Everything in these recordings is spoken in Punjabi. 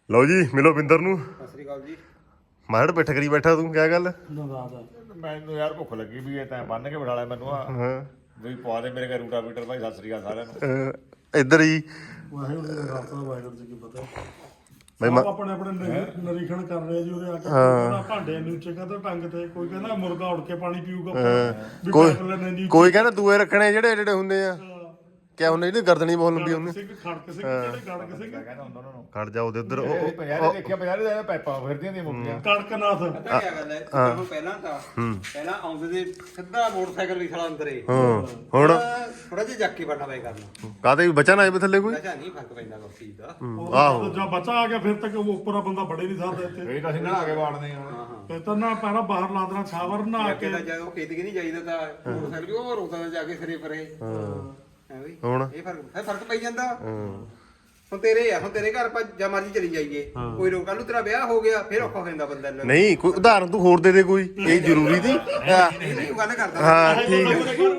ਲਓ ਜੀ ਮਿਲੋ ਬਿੰਦਰ ਨੂੰ। ਸਤਿ ਸ੍ਰੀ ਅਕਾਲ ਜੀ। ਮਾੜ ਪਿੱਠ ਕਰੀ ਬੈਠਾ ਤੂੰ, ਕਿਆ ਗੱਲ? ਮੈਨੂੰ ਯਾਰ ਭੁੱਖ ਲੱਗੀ ਵੀ ਤੈਂ ਬੰਨ ਕੇ ਬਿਠਾ ਲਿਆ ਮੈਨੂੰ ਆ ਵੀ ਪਵਾ ਦੇ ਮੇਰੇ ਘਰ ਰੂਟਾ ਬੀਟਰ ਭਾਈ। ਸਤਿ ਸ੍ਰੀ ਅਕਾਲ ਸਾਰਿਆਂ ਨੂੰ। ਇੱਧਰ ਹੀ ਵਾਹਿਗੁਰੂ ਜੀ ਦਾ ਖਾਲਸਾ ਵਾਹਿਗੁਰੂ ਜੀ ਕੀ ਫਤਿਹ। ਬਈ ਸਭ ਆਪਣੇ ਆਪਣੇ ਨਿਰੀਖਣ ਕਰ ਰਹੇ ਜੀ ਉਹਦੇ ਆ ਕੇ। ਕਹਿੰਦਾ ਭਾਂਡੇ ਨੂੰ ਉੱਚੇ ਕਹਿੰਦਾ ਟੰਗ ਤੇ, ਕੋਈ ਕਹਿੰਦਾ ਮੁਰਗਾ ਉੜ ਕੇ ਪਾਣੀ ਪੀਊਗਾ ਵੀ ਪੈਪ ਲੈਣੇ ਦੀ। ਕੋਈ ਕਹਿੰਦਾ ਦੂਏ ਰੱਖਣੇ ਜਿਹੜੇ ਜਿਹੜੇ ਹੁੰਦੇ ਆ, ਕਿਆ ਹੁੰਦੇ ਜਿਹੜੇ ਗਰਦਨੀ ਬਹੁਤ ਲੰਬੀ ਹੁੰਦੀ। ਸਿੰਘ ਖੜਕ ਸਿੰਘ ਜਿਹੜੇ ਖੜਕ ਸਿੰਘ ਕਹਿੰਦਾ ਹੁੰਦਾ ਉਹਨਾਂ ਨੂੰ ਖੜ ਜਾ ਉਹਦੇ ਉੱਧਰ ਪੰਜਾਹ ਦੇਖਿਆ 50 ਦੇ ਪੈਪਾਂ ਫਿਰਦੀਆਂ ਦੀਆਂ ਮੁੱਕੀਆਂ। ਕੜਕਨਾਥ ਪਤਾ ਕੀ ਗੱਲ ਹੈ, ਤੁਹਾਨੂੰ ਪਹਿਲਾਂ ਤਾਂ ਪਹਿਲਾਂ ਆਉਂਦੇ ਦੇ ਸਿੱਧਾ ਮੋਟਰਸਾਈਕਲ ਵੀ ਖੜਾ ਅੰਦਰੇ। ਹੁਣ ਥੋੜਾ ਜਿਹਾ ਜੱਕੀ ਬਣਨਾ ਪਏ ਕਰਨਾ। ਕਾਹਦੇ ਬਚਾ ਨਾ ਆਏ ਥੱਲੇ ਕੋਈ। ਅੱਛਾ ਨਹੀਂ ਫਰਕ ਪੈਂਦਾ ਉਸ ਚੀਜ਼ ਦਾ। ਆਹੋ ਜਦ ਬੱਚਾ ਆ ਗਿਆ ਫਿਰ ਤੱਕ ਉਹ ਉੱਪਰ ਬੰਦਾ ਬੜੇ ਨਹੀਂ ਸਕਦਾ ਇੱਥੇ। ਇਹ ਤਾਂ ਅਸੀਂ ਨਹਾ ਕੇ ਵਾੜਦੇ ਹਾਂ। ਫਿਰ ਤਾਂ ਨਾ ਪਹਿਲਾਂ ਬਾਹਰ ਲਾ ਦੇਣਾ ਛਾਵਰ ਨਹਾ ਕੇ। ਕਿਹਦਾ ਜਦੋਂ ਖੇਤ ਕਿ ਨਹੀਂ ਜਾਈਦਾ ਤਾਂ ਮੋਟਰਸਾਈਕਲ ਵੀ ਉਹ ਰੋਕਦਾ ਜਾ ਕੇ ਸਿਰੇ ਪਰੇ। ਹੈ ਬਈ ਹੁਣ ਇਹ ਫਰਕ ਪਈ ਜਾਂਦਾ। ਹੁਣ ਤੇਰੇ ਘਰ ਆਪਾਂ ਜਾਂ ਮਰਜੀ ਚਲੀ ਜਾਈਏ, ਕੋਈ ਰੋਕ ਕੱਲ ਨੂੰ ਤੇਰਾ ਵਿਆਹ ਹੋ ਗਿਆ ਫਿਰ ਔਖਾ ਹੋ ਜਾਂਦਾ ਬੰਦਾ ਨੂੰ। ਨਹੀਂ ਕੋਈ ਉਦਾਹਰਨ ਤੂੰ ਹੋਰ ਦੇ ਦੇ ਕੋਈ, ਇਹ ਜ਼ਰੂਰੀ ਸੀ। ਨਹੀਂ ਗੱਲ ਕਰਦਾ। ਹਾਂ ਠੀਕ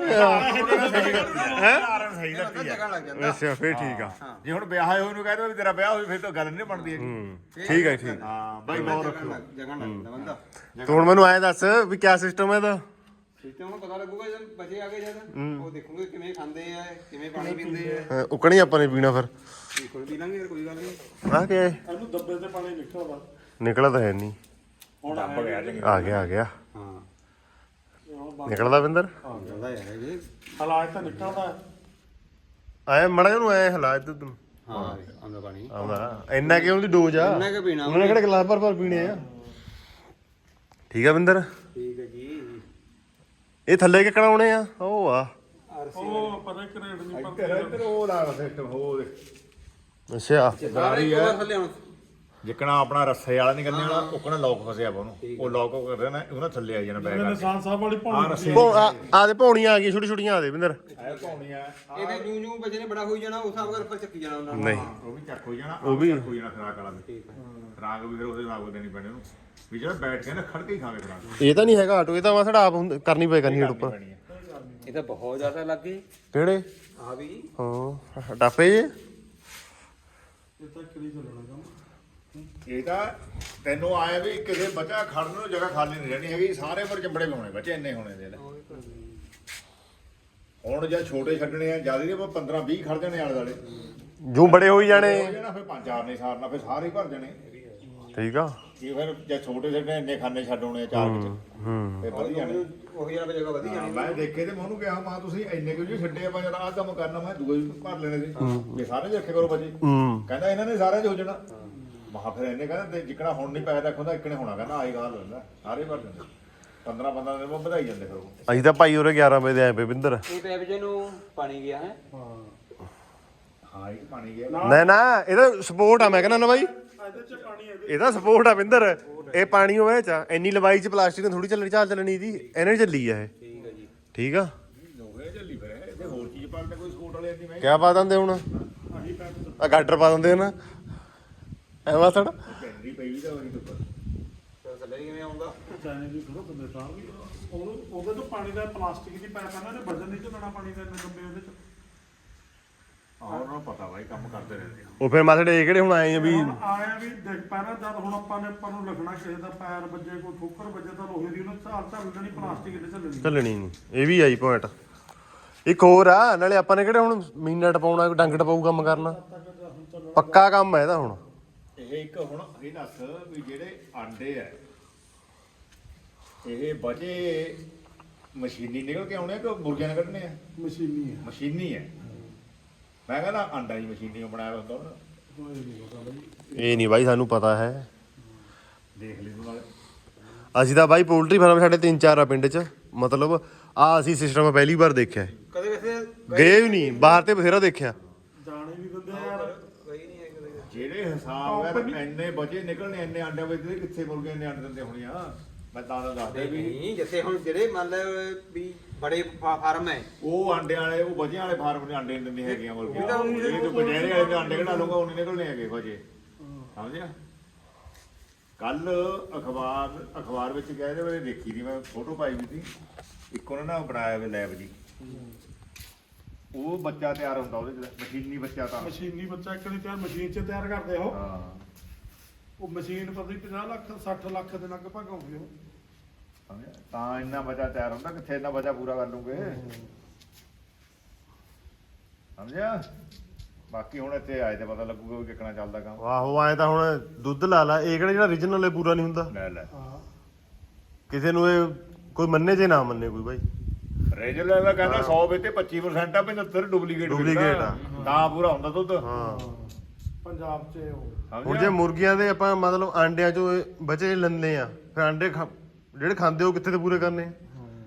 ਸਹੀ ਲੱਗਦੀ ਜਗ੍ਹਾ ਲੱਗ ਜਾਂਦਾ। ਅੱਛਾ ਫੇਰ ਠੀਕ ਆ। ਜੇ ਹੁਣ ਵਿਆਹ ਹੋਇਆ ਉਹਨੂੰ ਕਹਿੰਦਾ ਵੀ ਤੇਰਾ ਵਿਆਹ ਹੋਵੇ ਫਿਰ ਤਾਂ ਗੱਲ ਨਹੀਂ ਬਣਦੀ ਹੈਗੀ। ਠੀਕ ਹੈ ਠੀਕ। ਹਾਂ ਬਾਈ ਗੌਰ ਰੱਖੋ। ਜਗ੍ਹਾ ਲੱਗ ਜਾਂਦਾ ਬੰਦਾ। ਤੂੰ ਹੁਣ ਮੈਨੂੰ ਐਂ ਦੱਸ ਵੀ ਕਿਆ ਸਿਸਟਮ ਹੈ ਇਹਦਾ। ਠੀਕ ਹੈ, ਹੁਣ ਪਤਾ ਲੱਗੂਗਾ ਜਦ ਬੱਚੇ ਆ ਗਏ ਜਦ ਉਹ ਦੇਖੂਗੇ ਕਿਵੇਂ ਖਾਂਦੇ ਆ, ਕਿਵੇਂ ਪਾਣੀ ਪੀਂਦੇ ਆ। ਉਕਣੀ ਆਪਾਂ ਨੇ ਪੀਣਾ ਫਿਰ। ਕੋਈ ਪੀ ਲਾਂਗੇ, ਕੋਈ ਗੱਲ ਨਹੀਂ। ਆ ਗਿਆ ਇਹਨੂੰ ਦੱਬੇ ਤੇ ਪਾਣੀ ਨਿਕਲਦਾ ਨਿਕਲਦਾ ਤਾਂ ਹੈ ਨਹੀਂ। ਹੁਣ ਦੱਬ ਗਿਆ ਜੀ। ਆ ਗਿਆ ਆ ਗਿਆ ਹਾਂ ਨਿਕਲਦਾ ਬਿੰਦਰ। ਜ਼ਿਆਦਾ ਯਾਰ ਇਹ। ਹਾਲਾਤ ਤਾਂ ਨਿਕਲਦਾ। ਆਏ ਮੜਾ ਨੂੰ ਐ ਹਾਲਾਤ ਤੂੰ ਹਾਂ ਆਉਂਦਾ ਪਾਣੀ ਆਉਂਦਾ ਇੰਨਾ ਕਿ ਉਹਦੀ ਡੋਜ਼ ਆ। ਇੰਨਾ ਕਿ ਪੀਣਾ ਉਹਨੇ ਕਿਹੜੇ ਗਲਾਸ ਭਰ ਪੀਣੇ ਆ। ਠੀਕ ਆ ਬਿੰਦਰ। ਠੀਕ ਹੈ ਜੀ। ਇਹ ਥੱਲੇ ਕਿੱਕਣਾ ਆਉਣੇ ਆ। ਉਹ ਆ ਉਹ ਪਰੇ ਕਰੇਡ ਨਹੀਂ ਇੱਧਰ ਉਹ ਲਾ ਸਿਸਟਮ ਹੋ ਦੇ ਅੱਛਾ ਸਾਰੇ ਕਵਰ ਥੱਲੇ ਹੁਣ ਜਿੱਕਣਾ ਆਪਣਾ ਰੱਸੇ ਵਾਲਾ ਨਹੀਂ ਕਰਨੇ ਵਾਲਾ ਉਕਣਾ ਲੋਕ ਫਸਿਆ ਵਾ ਉਹਨੂੰ। ਉਹ ਲੋਕ ਕਰ ਰਿਹਾ ਨਾ ਉਹਨਾਂ ਥੱਲੇ ਆ ਜਾਣਾ ਬੈਗ ਨਿਸ਼ਾਨ ਸਾਹਿਬ ਵਾਲੀ ਆ ਪਾਉਣੀ ਰੱਸੇ ਆ ਦੇ ਪੌਣੀਆਂ ਆ ਗਈਆਂ ਛੋਟੀ ਛੋਟੀਆਂ ਆ ਦੇ ਬਿੰਦਰ। ਐ ਪਾਉਣੀਆਂ ਇਹਨੇ ਜੂ ਜੂ ਬੱਚੇ ਨੇ ਬੜਾ ਹੋਈ ਜਾਣਾ, ਉਸ ਹਿਸਾਬ ਨਾਲ ਉੱਪਰ ਚੱਕੀ ਜਾਣਾ ਉਹਨਾਂ ਨੂੰ। ਨਹੀਂ ਉਹ ਵੀ ਚੱਕ ਹੋ ਜਾਣਾ। ਉਹ ਵੀ ਚੱਕ ਹੋ ਜਾਣਾ ਖਰਾਕ ਵਾਲਾ ਵੀ। ਖਰਾਕ ਵੀ ਫਿਰ ਉਹਦੇ ਨਾਲ ਦੇਣੀ ਪੈਣੀ ਉਹਨੂੰ ਵੀ ਜਿਹੜਾ ਬੈਠ ਕੇ ਨਾ ਖੜ ਕੇ ਹੀ ਖਾਵੇ ਖਰਾਕ। ਇਹ ਤਾਂ ਨਹੀਂ ਹੈਗਾ ਆਟੋ, ਇਹ ਤਾਂ ਮਸੜਾ ਆਪ ਕਰਨੀ ਪਏ ਕਰਨੀ ਹੇਠ ਉੱਪਰ। ਪੈਣੀ ਹੈ। ਇਹ ਤਾਂ ਬਹੁਤ ਜ਼ਿਆਦਾ ਲੱਗੇ ਕਿਹੜੇ ਆ ਵੀ। ਹਾਂ ਟਾਪੇ ਜੇ ਇਹ ਤਾਂ ਕਰੀ ਚੱਲਣਾ ਕੰਮ। ਇਹ ਤਾਂ ਤੈਨੂੰ ਆਇਆ ਵੀ ਕਿਸੇ ਬੱਚਾ ਖੜਨ ਨੂੰ ਜਗ੍ਹਾ ਖਾਲੀ ਨਹੀਂ ਰਹਿਣੀ ਹੈਗੀ। ਸਾਰੇ ਪਰ ਚੰਬੜੇ ਪਾਉਣੇ ਬੱਚੇ ਇੰਨੇ ਹੋਣੇ ਦੇ ਲੈ। ਹੁਣ ਜਾਂ ਛੋਟੇ ਛੱਡਣੇ ਆ ਜਿਆਦਾ ਨਹੀਂ 15 20 ਖੜ ਜਾਣੇ ਆਲੇ ਦੁਆਲੇ ਜੂ ਬੜੇ ਹੋਈ ਜਾਣੇ। ਹੋ ਜਾਣਾ ਫਿਰ ਪੰਜ ਚਾਰ ਨਹੀਂ ਸਾਰਨਾ ਫਿਰ ਸਾਰੇ ਹੀ ਭਰ ਜਾਣੇ। ਠੀਕ ਆ। ਇਹ ਫਿਰ ਜੇ ਛੋਟੇ ਛੱਡਣੇ ਇੰਨੇ ਖਾਨੇ ਛੱਡ ਆਉਣੇ ਆ ਚਾਰ ਵਿੱਚ ਫਿਰ ਵਧੀ ਜਾਣੇ। ਉਹੀ ਜਗ੍ਹਾ ਜਗ੍ਹਾ ਵਧੀ ਜਾਣੀ। ਮੈਂ ਦੇਖੇ ਤੇ ਮੈਂ ਉਹਨੂੰ ਕਿਹਾ ਮਾਂ ਤੁਸੀਂ ਇੰਨੇ ਕਿਉਂ ਜੀ ਛੱਡੇ ਆਪਾਂ ਜਦ ਆਹ ਕੰਮ ਕਰਨਾ ਮੈਂ ਦੂਏ ਵੀ ਭਰ ਲੈਣੇ ਸੀ ਵੀ ਸਾਰੇ ਰੱਖੇ ਕਰੋ ਬੱਚੇ। ਕਹਿੰਦਾ ਇਹਨਾਂ ਨੇ ਸਾਰਿਆਂ 'ਚ ਹੋ ਜਾਣਾ। ਮਹਾ ਫਿਰ ਇਹਨੇ ਕਹਿੰਦਾ ਜਿੱਕਣਾ ਹੁਣ ਨਹੀਂ ਪੈਸਾ ਰੱਖਦਾ ਇੱਕਣੇ ਹੋਣਾ। ਕਹਿੰਦਾ ਆਹੀ ਗੱਲ ਹੁੰਦਾ ਸਾਰੇ ਭਰ ਦਿੰਦੇ 15 ਦਿਨ ਬਾਅਦ ਵਧਾਈ ਜਾਂਦੇ ਫਿਰ ਉਹ। ਅਸੀਂ ਤਾਂ ਭਾਈ ਉਰੇ 11 ਵਜੇ ਦੇ ਆਏ ਪਏ ਬਿੰਦਰ। ਇਹ ਪੈਪ ਜੇ ਨੂੰ ਪਾਣੀ ਗਿਆ ਹੈ। ਹਾਂ ਇਹ ਪਾਣੀ ਗਿਆ ਨਾ ਨਾ ਇਹਦਾ ਸਪੋਰਟ ਆ ਮੈਂ ਕਹਿੰਦਾ ਨਾ ਬਾਈ, ਇਹਦੇ ਚ ਪਾਣੀ ਇਹਦੇ ਇਹਦਾ ਸਪੋਰਟ ਆ ਬਿੰਦਰ। ਇਹ ਪਾਣੀ ਹੋਵੇ ਚ ਇੰਨੀ ਲੰਬਾਈ ਚ ਪਲਾਸਟਿਕ ਨੇ ਥੋੜੀ ਚੱਲਣੀ ਦੀ ਇਹਨੇ ਚੱਲੀ ਆ ਇਹ। ਠੀਕ ਹੈ ਜੀ। ਠੀਕ ਆ। ਲੋਹੇ ਚੱਲੀ ਫਿਰ ਇਹਦੇ ਹੋਰ ਚੀਜ਼ ਪਾ ਕੇ ਕੋਈ ਸਕੂਟ ਵਾਲੇ ਦੀ ਮੈਂ ਕਿਆ ਪਾ ਦਿੰਦੇ ਹੁਣ ਆਹੀ ਪੈਪ ਆ ਗਾਡਰ ਪਾ ਦਿੰਦੇ ਨਾ ਐ ਵਾਸੜ। ਕੈਂਡੀ ਪਈ ਵੀ ਤਾਂ ਉਹਦੀ ਉੱਪਰ ਫਿਰ ਥੱਲੇ ਕਿਵੇਂ ਆਉਂਦਾ? ਚਾਈਨੇ ਦੀ ਥੋੜਾ ਬੰਦੇ ਤਾਰ ਵੀ ਉਹਦੇ ਤੋਂ ਪਾਣੀ ਦਾ ਪਲਾਸਟਿਕ ਦੀ ਪਾਈਪ ਆ ਨਾ, ਇਹਨੇ ਵਜਨ ਨਹੀਂ ਝੱਲਣਾ ਪਾਣੀ ਦਾ ਇੰਨੇ ਲੰਬੇ ਉਹਦੇ ਚ। ਆਹ ਉਹਨਾਂ ਨੂੰ ਪਤਾ ਬਾਈ ਕੰਮ ਕਰਦੇ ਰਹਿੰਦੇ ਆ। ਉਹ ਫਿਰ ਮਾਸੜੇ ਇਹ ਕਿਹੜੇ ਹੁਣ ਆਏ ਆ ਵੀ ਹੁਣ ਆਇਆ ਵੀ ਦੇਖ ਪੈਣਾ ਜਦ ਹੁਣ ਆਪਾਂ ਨੂੰ ਲਿਖਣਾ ਕਿਸੇ ਦਾ ਪੈਰ ਵੱਜੇ, ਕੋਈ ਠੋਕਰ ਵੱਜੇ ਤਾਂ ਲੋਹੇ ਦੀ ਉਹਨੇ ਝੱਲ ਲੈਣੀ, ਪਲਾਸਟਿਕ ਇਹਦੇ ਝੱਲਣੀ। ਚੱਲਣੀ ਨਹੀਂ। ਇਹ ਵੀ ਆਈ ਪੁਆਇੰਟ। ਇੱਕ ਹੋਰ ਆ ਨਾਲੇ ਆਪਾਂ ਨੇ ਕਿਹੜੇ ਹੁਣ ਮੀਨਾ ਟਪਾਉਣਾ ਡੰਗ ਟਪਾਊ ਕੰਮ ਕਰਨਾ। ਪੱਕਾ ਕੰਮ ਹੈ ਇਹਦਾ ਹੁਣ। ਇਹ ਇੱਕ ਹੁਣ ਇਹ ਦੱਸ ਵੀ ਜਿਹੜੇ ਆਂਡੇ ਆ ਇਹ ਬਚੇ ਮਸ਼ੀਨੀ ਨਿਕਲ ਕੇ ਆਉਣੇ ਆ ਕਿ ਮੁਰਗਿਆਂ ਨੇ ਕੱਢਣੇ ਆ? ਮਸ਼ੀਨੀ ਹੈ। ਮਸ਼ੀਨੀ ਹੈ। ਮੈਂ ਕਹਿੰਦਾ ਆਂਡਾ ਹੀ ਮਸ਼ੀਨੀ ਬਣਾਇਆ ਹੁੰਦਾ ਉਹਨਾਂ ਕੋਈ ਨਹੀਂ ਪਤਾ ਬਈ। ਇਹ ਨਹੀਂ ਬਾਈ ਸਾਨੂੰ ਪਤਾ ਹੈ। ਦੇਖ ਲਈ ਤੂੰ ਨਾਲੇ। ਅਸੀਂ ਤਾਂ ਬਾਈ ਪੋਲਟਰੀ ਫਾਰਮ ਸਾਡੇ 3-4 ਆ ਪਿੰਡ 'ਚ। ਮਤਲਬ ਆ ਅਸੀਂ ਸਿਸਟਮ ਪਹਿਲੀ ਵਾਰ ਦੇਖਿਆ ਹੈ। ਕਦੇ ਵੈਸੇ ਗਏ ਵੀ ਨਹੀਂ ਬਾਹਰ ਤੇ ਬਥੇਰਾ ਦੇਖਿਆ। ਜਾਣੇ ਵੀ ਦਿੰਦੇ ਆ ਯਾਰ। ਗਈ ਨਹੀਂ ਹੈ ਕਦੇ। ਜਿਹੜੇ ਹਿਸਾਬ ਨਾਲ ਇੰਨੇ ਬਚੇ ਨਿਕਲਣੇ ਇੰਨੇ ਆਂਡੇ ਵਿੱਚ ਕਿੱਥੇ ਮੁਰਗੇ ਇੰਨੇ ਆਂਡੇ ਦਿੰਦੇ ਹੋਣੇ ਆ। ਮੈਂ ਤਾਂ ਦੱਸਦੇ ਵੀ ਨਹੀਂ ਜਿੱਥੇ ਹੁਣ ਜਿਹੜੇ ਮੰਨ ਲੈ ਵੀ ਬੜੇ ਫਾਰਮ ਹੈ ਉਹ ਆਂਡੇ ਵਾਲੇ ਉਹ ਬਚਿਆਂ ਵਾਲੇ ਫਾਰਮ ਦੇ ਆਂਡੇ ਨਹੀਂ ਦਿੰਦੀਆਂ ਹੈਗੀਆਂ ਮੁਰਗੀਆਂ। ਜਿਹੜੇ ਤੂੰ ਬਜੇਰੇ ਵਾਲੇ ਦੇ ਆਂਡੇ ਕਢਾ ਲੂੰਗਾ ਉਹ ਨਹੀਂ ਨਿਕਲਣੇ ਹੈਗੇ ਬਚੇ। ਸਮਝਿਆ? ਕੱਲ ਅਖਬਾਰ ਵਿੱਚ ਗਿਆ ਇਹਦੇ ਬਾਰੇ ਦੇਖੀ ਦੀ ਮੈਂ ਫੋਟੋ ਪਾਈ ਵੀ ਸੀ। ਇੱਕ ਉਹਨਾਂ ਨੇ ਬਣਾਇਆ ਵੇ ਲੈਬ ਜੀ। ਉਹ ਬੱਚਾ ਤਿਆਰ ਹੁੰਦਾ ਉਹਦੇ ਚ ਮਸ਼ੀਨੀ ਬੱਚਾ ਤਾਂ ਮਸ਼ੀਨੀ ਬੱਚਾ ਇੱਕ ਨਹੀਂ ਤਿਆਰ, ਮਸ਼ੀਨ 'ਚ ਤਿਆਰ ਕਰਦੇ ਉਹ। ਹਾਂ ਉਹ ਮਸ਼ੀਨ ਪਤਾ ਨਹੀਂ 50 ਲੱਖ 60 ਲੱਖ ਦੇ ਲਗਭਗ ਆਉਂਦੀ ਉਹ। ਸਮਝਿਆ? ਤਾਂ ਇੰਨਾ ਬਚਾ ਤਿਆਰ ਹੁੰਦਾ, ਕਿੱਥੇ ਇੰਨਾ ਬਚਾ ਪੂਰਾ ਕਰ ਲੂਗੇ। ਸਮਝਿਆ? ਬਾਕੀ ਹੁਣ ਇੱਥੇ ਆਏ ਤੇ ਪਤਾ ਲੱਗੂਗਾ ਵੀ ਕਿੱਕਣਾ ਚੱਲਦਾ ਕੰਮ। ਆਹੋ ਆਏ ਤਾਂ ਹੁਣ ਦੁੱਧ ਲਾ ਲਾ, ਇਹ ਕਿਹੜਾ ਜਿਹੜਾ origignal ਹੈ ਪੂਰਾ ਨਹੀਂ ਹੁੰਦਾ। ਲੈ ਲੈ ਹਾਂ ਕਿਸੇ ਨੂੰ ਇਹ ਕੋਈ ਮੰਨੇ ਜੇ ਨਾ ਮੰਨੇ ਕੋਈ ਬਾਈ। ਰੇਜਲ ਦਾ ਕਹਿੰਦਾ 100 ਵਿੱਚ ਤੇ 25% ਆ, 75 ਡੁਪਲੀਕੇਟ Duplicate ਆ। ਤਾਂ ਪੂਰਾ ਹੁੰਦਾ ਦੁੱਧ। ਹਾਂ ਪੰਜਾਬ 'ਚ ਉਹ ਹੁਣ ਸਮਝਿਆ? ਜੇ ਮੁਰਗੀਆਂ ਦੇ ਆਪਾਂ ਮਤਲਬ ਆਂਡਿਆਂ ਚੋਂ ਬਚੇ ਲੈਂਦੇ ਆ, ਫਿਰ ਆਂਡੇ ਜਿਹੜੇ ਖਾਂਦੇ ਉਹ ਕਿੱਥੇ ਤੇ ਪੂਰੇ ਕਰਨੇ ਆ?